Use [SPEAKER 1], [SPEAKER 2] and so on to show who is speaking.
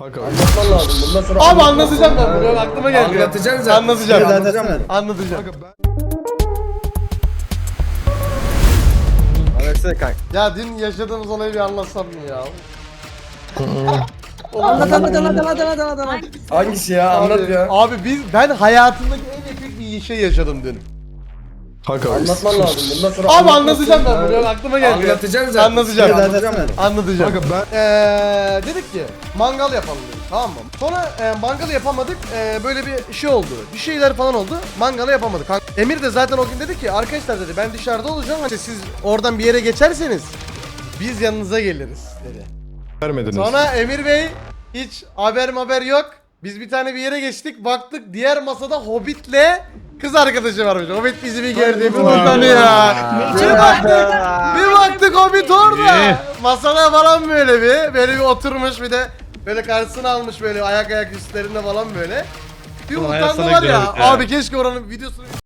[SPEAKER 1] Kanka
[SPEAKER 2] Anlatman lazım. Bundan sonra
[SPEAKER 3] Abi anlatacağım ben bunu. Aklıma geldi.
[SPEAKER 2] Anlatacaksın zaten.
[SPEAKER 3] Anlatacağım.
[SPEAKER 2] Anlatacağım.
[SPEAKER 3] Anlatacağım.
[SPEAKER 2] Anlatsana kanka.
[SPEAKER 3] Ya dün yaşadığımız olayı bir anlatsam mı ya?
[SPEAKER 4] Anlat.
[SPEAKER 2] Hangisi ya? Anlat ya.
[SPEAKER 3] Abi ben hayatımdaki en epik bir şey yaşadım dün.
[SPEAKER 1] kanka
[SPEAKER 2] Anlatman lazım. Bundan sonra
[SPEAKER 3] Abi anlatacağım ben bunu. Aklıma geldi.
[SPEAKER 2] Anlatacaksın zaten.
[SPEAKER 3] Anlatacağım.
[SPEAKER 2] Anlatacağım.
[SPEAKER 3] Anlatacağım.
[SPEAKER 1] Kanka
[SPEAKER 3] Dedik ki mangal yapalım dedik, tamam mı? Sonra mangalı yapamadık. Böyle bir şey oldu. Bir şeyler falan oldu. Mangalı yapamadık. Emir de zaten o gün dedi ki arkadaşlar dedi ben dışarıda olacağım. Hani siz oradan bir yere geçerseniz biz yanınıza geliriz dedi.
[SPEAKER 1] vermediniz.
[SPEAKER 3] Sonra Emir Bey hiç haber yok. Biz bir tane bir yere geçtik, baktık diğer masada Hobbit'le kız arkadaşı varmış. Hobbit bizi bir gördü, bir utanıyor. Bir baktık Hobbit orada. Masada falan böyle bir oturmuş, bir de böyle karşısına almış böyle ayak üstlerinde falan böyle. Bir utandı var ya. Abi keşke oranın videosunu